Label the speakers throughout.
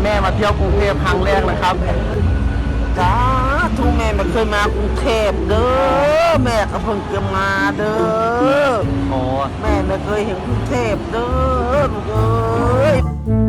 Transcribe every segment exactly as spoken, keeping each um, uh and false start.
Speaker 1: แม่มาเที่ยวกรุงเทพครั้งแรกนะครับจ้าทุกแม่ไม่เคยมากรุงเทพเด้อแม่ก็เพิ่งจะมาเด้อโอ้แม่ไม่เคยเห็นกรุงเทพเด้อลูกเอ้ย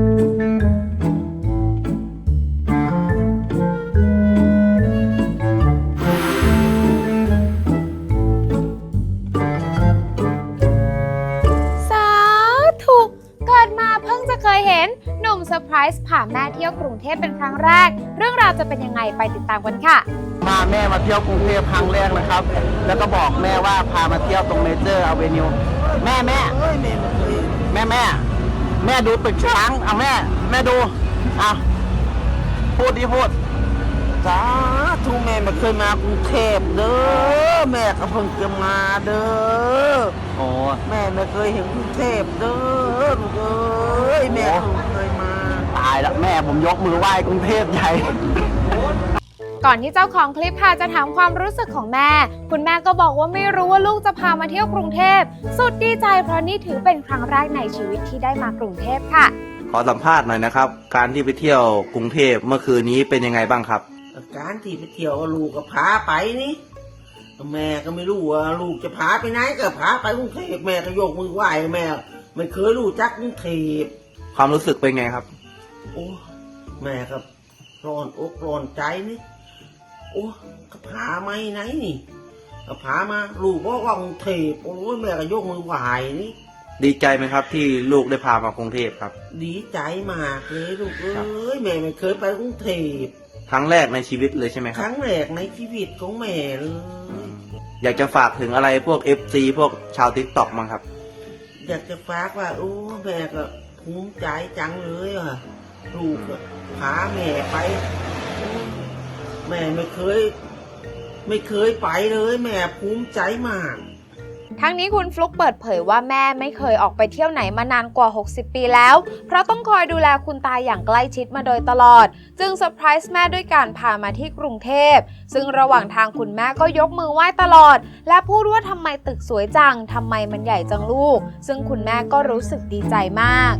Speaker 2: เคยเห็นหนุ่มเซอร์ไพรส์พาแม่เที่ยวกรุงเทพเป็นครั้งแรกเรื่องราวจะเป็นยังไงไปติดตามกันค่ะ
Speaker 1: พาแม่มาเที่ยวกรุงเทพครั้งแรกนะครับแล้วก็บอกแม่ว่าพามาเที่ยวตรงเมเจอร์อเวนิวแม่แม่แม่แม่แม่ดูตึกช้างเอาแม่แม่ดูเอาพูดดิพูดจ้าทุกแม่ไม่เคยมากรุงเทพเด้อแม่ก็เพิ่งจะมาเด้อโอ้แม่ไม่เคยเห็นกรุงเทพเด้อลูกเอ้ยแม่เพิ่งเคยมาตายแล้วแม่ผมยกมือไหว้กรุงเทพใหญ่
Speaker 2: ก่อนที่เจ้าของคลิปค่ะจะถามความรู้สึกของแม่คุณแม่ก็บอกว่าไม่รู้ว่าลูกจะพามาเที่ยวกรุงเทพสุดดีใจเพราะนี่ถือเป็นครั้งแรกในชีวิตที่ได้มากรุงเทพค่ะ
Speaker 3: ขอสัมภาษณ์หน่อยนะครับการที่ไปเที่ยวกรุงเทพเมื่อคืนนี้เป็นยังไงบ้างครับ
Speaker 1: การที่ไปเที่ยวลูกก็พาไปนี่แม่ก็ไม่รู้ว่าลูกจะพาไปไหนก็พาไปกรุงเทพแม่ก็ยกมือไหว้แม่ไม่เคยรู้จักกรุงเทพ
Speaker 3: ความรู้สึกเป็นไงครับ
Speaker 1: โอ้แม่ก็ร้อนอกร้อนใจนี่โอ้ก็พาไม่ไหนนี่ก็พามาลูกบอกว่ากรุงเทพโอ้แม่ก็ยกมือไหว้นี่
Speaker 3: ดีใจไหมครับที่ลูกได้พามากรุงเทพครับ
Speaker 1: ดีใจมากเลยลูกเอ้ยแม่ไม่เคยไปกรุงเทพ
Speaker 3: ครั้งแรกในชีวิตเลยใช่ไหมครับ
Speaker 1: ครั้งแรกในชีวิตของแม่เลย
Speaker 3: อยากจะฝากถึงอะไรพวก เอฟ ซี พวกชาว ติ๊กต็อก มั้งครับ
Speaker 1: อยากจะฝากว่าโอ้แม่ก็ภูมิใจจังเลยอ่ะลูกพาแม่ไปแม่ไม่เคยไม่เคยไปเลยแม่ภูมิใจมาก
Speaker 2: ทั้งนี้คุณฟลุ๊กเปิดเผยว่าแม่ไม่เคยออกไปเที่ยวไหนมานานกว่าหกสิบปีแล้วเพราะต้องคอยดูแลคุณตาอย่างใกล้ชิดมาโดยตลอดจึงเซอร์ไพรส์แม่ด้วยการพามาที่กรุงเทพซึ่งระหว่างทางคุณแม่ก็ยกมือไหว้ตลอดและพูดว่าทำไมตึกสวยจังทำไมมันใหญ่จังลูกซึ่งคุณแม่ก็รู้สึกดีใจมาก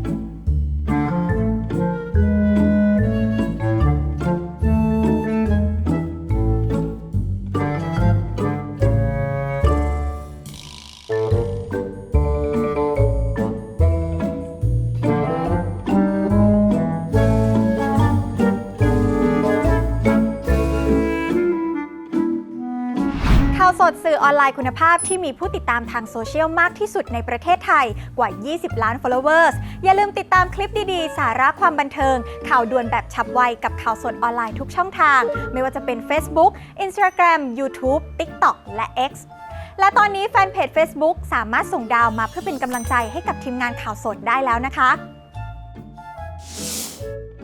Speaker 4: ข่าวสดสื่อออนไลน์คุณภาพที่มีผู้ติดตามทางโซเชียลมากที่สุดในประเทศไทยกว่ายี่สิบล้าน followers อย่าลืมติดตามคลิปดีๆสาระความบันเทิงข่าวด่วนแบบฉับไวกับข่าวสดออนไลน์ทุกช่องทางไม่ว่าจะเป็น Facebook Instagram YouTube TikTok และ X และตอนนี้แฟนเพจ Facebook สามารถส่งดาวมาเพื่อเป็นกำลังใจให้กับทีมงานข่าวสดได้แล้วนะคะ